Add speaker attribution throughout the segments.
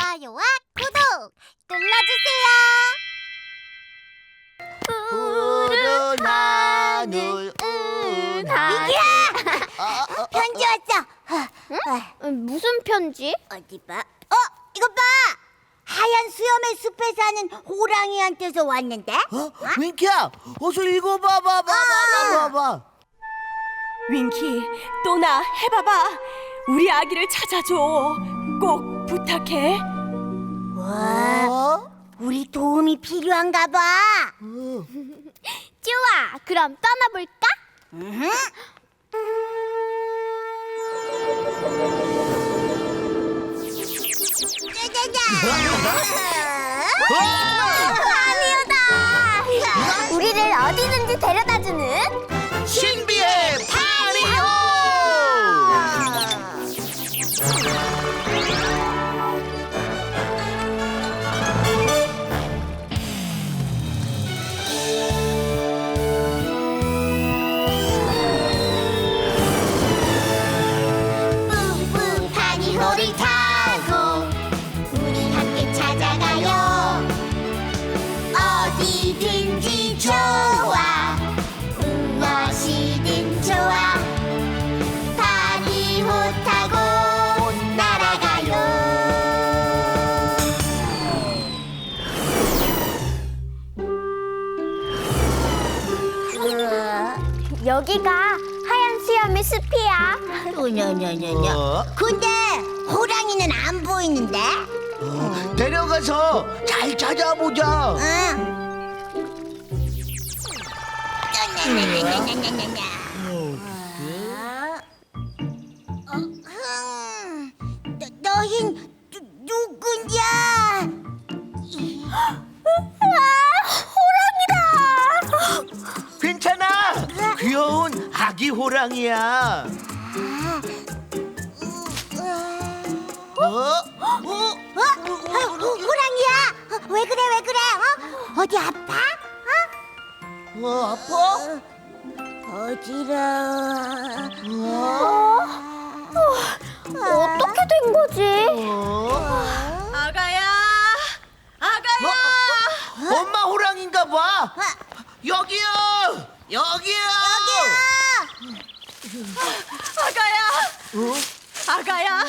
Speaker 1: 좋아요와 구독 눌러주세요.
Speaker 2: 푸른 하늘
Speaker 1: 민기야! 편지 왔어.
Speaker 3: 무슨 편지?
Speaker 1: 어디 봐. 이거 봐. 하얀 수염의 숲에 사는 호랑이한테서 왔는데.
Speaker 2: 윙키야, 어서 읽어봐봐.
Speaker 4: 윙키, 또나 해봐봐. 우리 아기를 찾아줘. 꼭 부탁해.
Speaker 1: 와, 우리 도움이 필요한가 봐.
Speaker 3: 좋아, 그럼 떠나볼까?
Speaker 1: 파리오다.
Speaker 3: 우리를 어디든지 데려다주는
Speaker 2: 신비의 파리오!
Speaker 1: 뿡뿡 파리호를 타고 우리 함께 찾아가요. 어디든지 좋아, 무엇이든 좋아. 파리호 타고 날아가요.
Speaker 3: 여기가 하얀 수염의 숲이야.
Speaker 2: 어?
Speaker 1: 근데 호랑이는 안 보이는데?
Speaker 2: 데려가서 잘 찾아보자.
Speaker 1: 응. 너흰 누구냐?
Speaker 2: 괜찮아. 귀여운 아기 호랑이야.
Speaker 1: 호랑이야? 왜 그래? 어디 아파?
Speaker 2: 아파?
Speaker 1: 어지러워.
Speaker 3: 어떻게 된 거지?
Speaker 4: 아가야,
Speaker 2: 엄마 호랑인가 봐. 여기요.
Speaker 4: 아가야.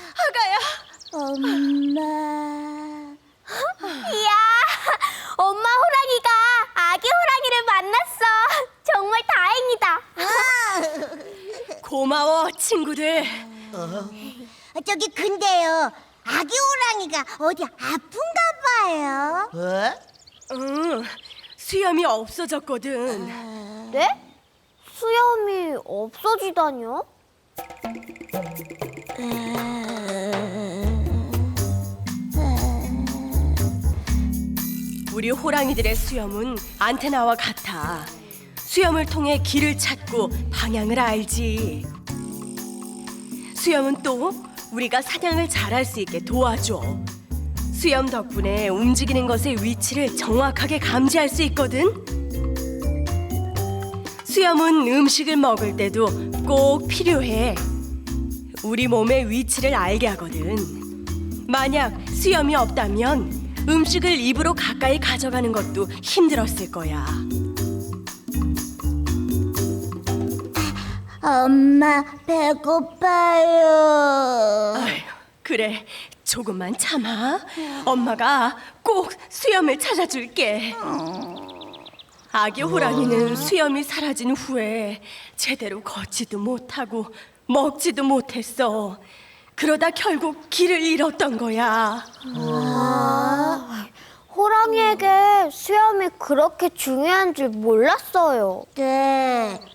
Speaker 1: 엄마.
Speaker 3: 이야, 엄마 호랑이가 아기 호랑이를 만났어. 정말 다행이다.
Speaker 4: 고마워, 친구들.
Speaker 1: 저기 근데요, 아기 호랑이가 어디 아픈가 봐요.
Speaker 4: 응, 수염이 없어졌거든.
Speaker 3: 네? 수염이 없어지다뇨?
Speaker 4: 우리 호랑이들의 수염은 안테나와 같아. 수염을 통해 길을 찾고 방향을 알지. 수염은 또 우리가 사냥을 잘할 수 있게 도와줘. 수염 덕분에 움직이는 것의 위치를 정확하게 감지할 수 있거든. 수염은 음식을 먹을 때도 꼭 필요해. 우리 몸의 위치를 알게 하거든. 만약 수염이 없다면 음식을 입으로 가까이 가져가는 것도 힘들었을 거야.
Speaker 1: 엄마 배고파요.
Speaker 4: 아휴, 그래, 조금만 참아. 엄마가 꼭 수염을 찾아줄게. 아기 호랑이는 수염이 사라진 후에 제대로 걷지도 못하고 먹지도 못했어. 그러다 결국 길을 잃었던 거야.
Speaker 3: 호랑이에게 수염이 그렇게 중요한 줄 몰랐어요.
Speaker 1: 네,